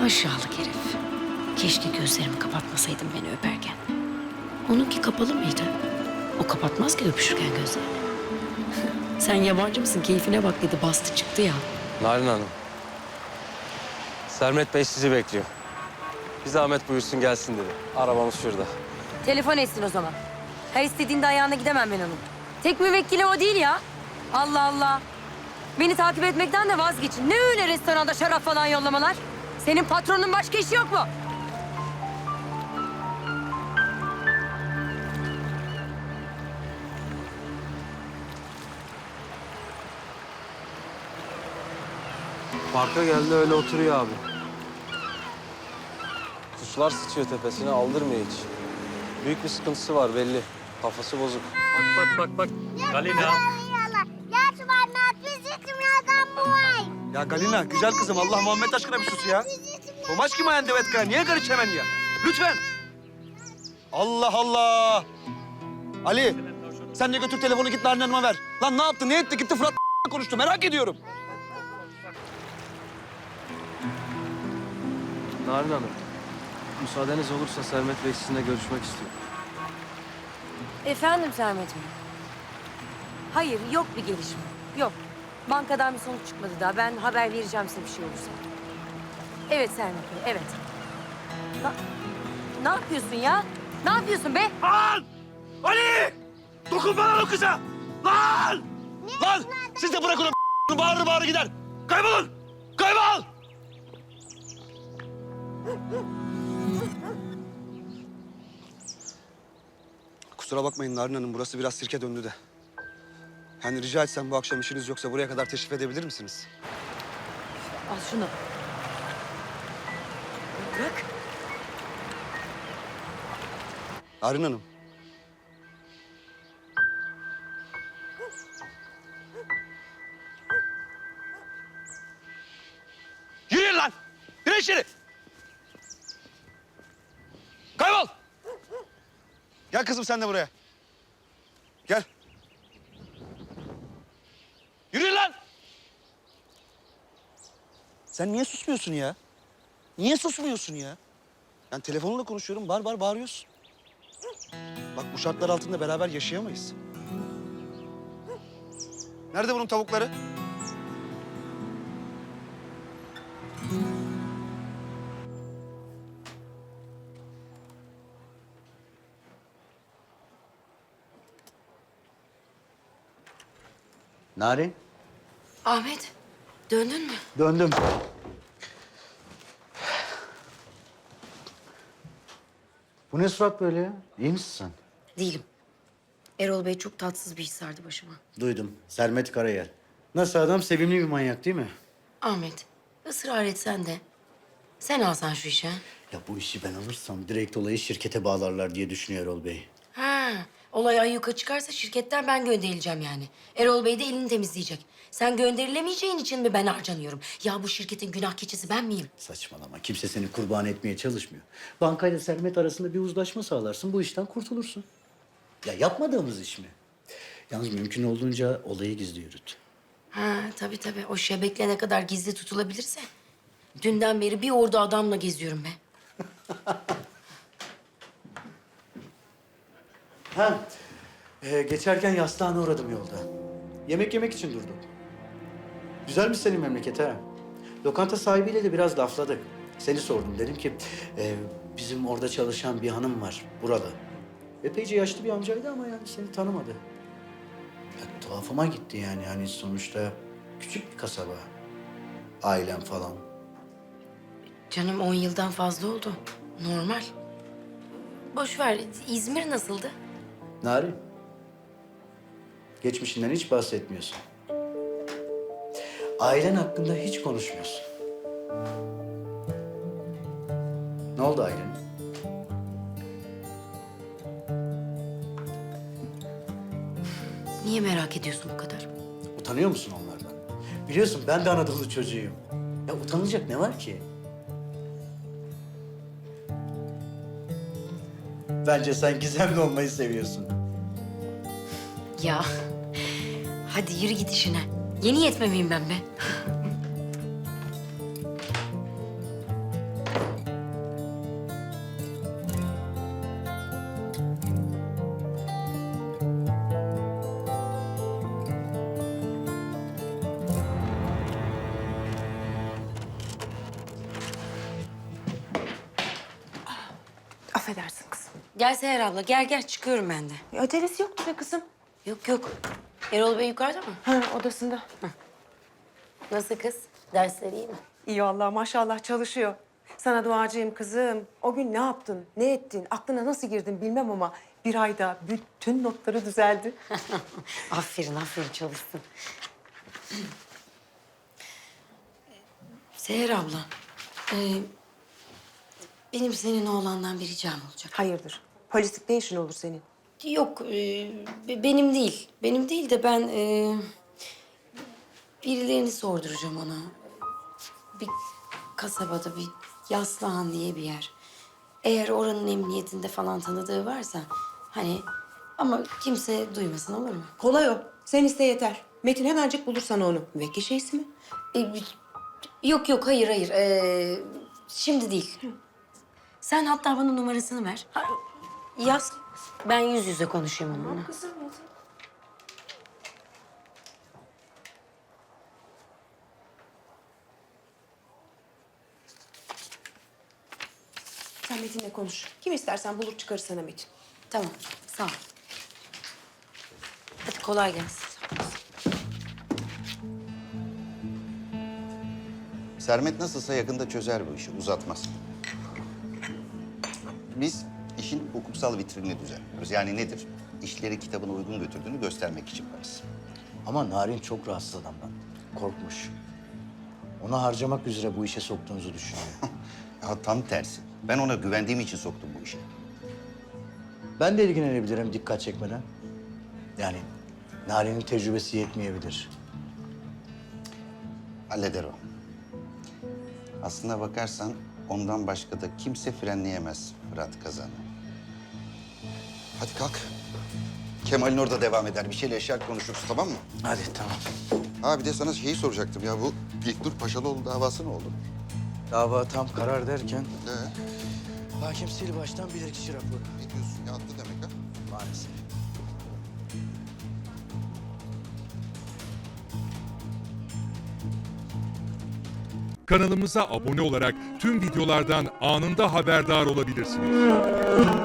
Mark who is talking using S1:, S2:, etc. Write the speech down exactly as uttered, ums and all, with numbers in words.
S1: Aşağılık herif. Keşke gözlerimi kapatmasaydım beni öperken. Onunki kapalı mıydı? O kapatmaz ki öpüşürken gözlerini. Sen yabancı mısın? Keyfine bak dedi. Bastı çıktı ya.
S2: Narin Hanım. Sermet Bey sizi bekliyor. Bir zahmet buyursun gelsin dedi. Arabamız şurada.
S3: Telefon etsin o zaman. Her istediğinde ayağına gidemem ben onun. Tek müvekkili o değil ya. Allah Allah. Beni takip etmekten de vazgeçin. Ne öyle restoranda şarap falan yollamalar? Senin patronun başka işi yok mu?
S2: Parka geldi öyle oturuyor abi. Kuşlar sıçıyor tepesine aldırmıyor hiç. Büyük bir sıkıntısı var belli. Kafası bozuk.
S4: Bak bak bak bak. Galina.
S5: Ya Galina, güzel kızım. Allah Muhammed aşkına bir sus ya. Tomaş kim ayan devetka? Niye karış hemen ya? Lütfen. Allah Allah. Ali, sen de götür telefonu git Narin Hanım'a ver. Lan ne yaptı, ne etti? Gitti Fırat konuştu. Merak ediyorum.
S2: Narin Hanım. Müsaadeniz olursa Sermet Bey sizinle görüşmek istiyor.
S3: Efendim Sermet Bey? Hayır, yok bir gelişme. Yok. Bankadan bir sonuç çıkmadı daha. Ben haber vereceğim size bir şey olursa. Evet Sermet Bey, evet. Na- ne yapıyorsun ya? Ne yapıyorsun be?
S5: Lan! Ali! Dokunma lan o kıza! Lan! Lan! Siz de bırakın o bağırır bağırır gider. Kaybolun! Kaybol! Kusura bakmayın Narin Hanım, burası biraz sirke döndü de. Yani rica etsem bu akşam işiniz yoksa buraya kadar teşrif edebilir misiniz?
S3: Al şunu. Bırak.
S5: Narin Hanım. Yürüyün lan! Yürü içeri! Kaybol! Gel kızım sen de buraya. Gel. Yürüyün lan! Sen niye susmuyorsun ya? Niye susmuyorsun ya? Ben telefonla konuşuyorum, bar bar bağırıyorsun. Bak bu şartlar altında beraber yaşayamayız. Nerede bunun tavukları?
S6: Narin,
S1: Ahmet, döndün mü?
S6: döndüm. Bu ne surat böyle ya? İyi misin sen?
S1: Değilim. Erol Bey çok tatsız bir his sardı başıma.
S6: Duydum. Sermet Karayel. Nasıl adam? Sevimli bir manyak değil mi?
S1: Ahmet, ısrar etsen de sen alsan şu işe.
S6: Ya bu işi ben alırsam direkt olayı şirkete bağlarlar diye düşünüyor Erol Bey.
S1: Ha, olay ayyuka çıkarsa şirketten ben gönderileceğim yani. Erol Bey de elini temizleyecek. Sen gönderilemeyeceğin için mi ben harcanıyorum? Ya bu şirketin günah keçisi ben miyim?
S6: Saçmalama. Kimse seni kurban etmeye çalışmıyor. Bankayla Sermet arasında bir uzlaşma sağlarsın. Bu işten kurtulursun. Ya yapmadığımız iş mi? Yalnız mümkün olduğunca olayı gizli yürüt.
S1: Ha, tabii tabii. O şebekle ne kadar gizli tutulabilirse. Dünden beri bir ordu adamla geziyorum be.
S6: Ha, ee, geçerken yastığına uğradım yolda. Yemek yemek için durdum. Güzelmiş senin memleket ha. Lokanta sahibiyle de biraz lafladık. Seni sordum. Dedim ki e, bizim orada çalışan bir hanım var buralı. Epeyce yaşlı bir amcaydı ama yani seni tanımadı. Ya, tuhafıma gitti yani. Hani sonuçta küçük bir kasaba. Ailem falan.
S1: Canım on yıldan fazla oldu. Normal. Boş ver. İzmir nasıldı?
S6: Narin. Geçmişinden hiç bahsetmiyorsun. Ailen hakkında hiç konuşmuyorsun. Ne oldu ailen?
S1: Niye merak ediyorsun bu kadar?
S6: Utanıyor musun onlardan? Biliyorsun ben de Anadolu çocuğuyum. Ya utanılacak ne var ki? Bence sen gizemli olmayı seviyorsun.
S1: Ya hadi yürü git işine. Yeni yetme miyim ben be? Gel Seher abla, gel gel çıkıyorum ben de.
S3: E, acelesi yoktu be kızım.
S1: Yok yok. Erol Bey yukarıda mı?
S3: Ha, odasında.
S1: Nasıl kız? Dersleri iyi mi?
S7: İyi vallahi maşallah çalışıyor. Sana duacıyım kızım. O gün ne yaptın, ne ettin, aklına nasıl girdin bilmem ama bir ayda bütün notları düzeldi.
S1: Aferin aferin çalışsın. Seher abla, e, benim senin oğlandan bir ricam olacak.
S7: Hayırdır? Polislik ne işin olur senin?
S1: Yok, e, be- benim değil. Benim değil de ben e, birilerini sorduracağım ona. Bir kasabada bir Yaslıhan diye bir yer. Eğer oranın emniyetinde falan tanıdığı varsa hani ama kimse duymasın olur mu?
S7: Kolay o. Sen iste yeter. Metin hemencik bulur sana onu. Müvekkil şeysi mi?
S1: E, yok yok hayır hayır. E, şimdi değil. Sen hatta bana numarasını ver. Ha, yaz. Ben yüz yüze konuşayım onunla.
S7: Kızım Metin. Sen Metin'le konuş. Kim istersen bulur çıkarır sana Metin.
S1: Tamam sağ ol. Hadi kolay gelsin.
S8: Sermet nasılsa yakında çözer bu işi, uzatmaz. Biz işin hukuksal vitrinini düzenliyoruz. Yani nedir? İşleri kitabına uygun götürdüğünü göstermek için varız.
S6: Ama Narin çok rahatsız adamdan. Korkmuş. Onu harcamak üzere bu işe soktuğunuzu düşünüyor.
S8: Ya tam tersi. Ben ona güvendiğim için soktum bu işe.
S6: Ben de ilgilenebilirim dikkat çekmeden. Yani Narin'in tecrübesi yetmeyebilir.
S8: Halleder o. Aslına bakarsan ondan başka da kimse frenleyemez Fırat Kazan'ı. Hadi kalk. Kemal'in orada devam eder. Bir şeyle eşyal konuşuruz, tamam mı?
S6: Hadi tamam.
S8: Ha bir de sana şeyi soracaktım ya. Bu İlknur Paşalıoğlu davası ne oldu?
S6: Dava tam karar derken
S8: Ee,
S6: hakim sil baştan bilirkişi raporu.
S8: ne diyorsun ya? Attı demek ha?
S6: Maalesef.
S9: Kanalımıza abone olarak tüm videolardan anında haberdar olabilirsiniz.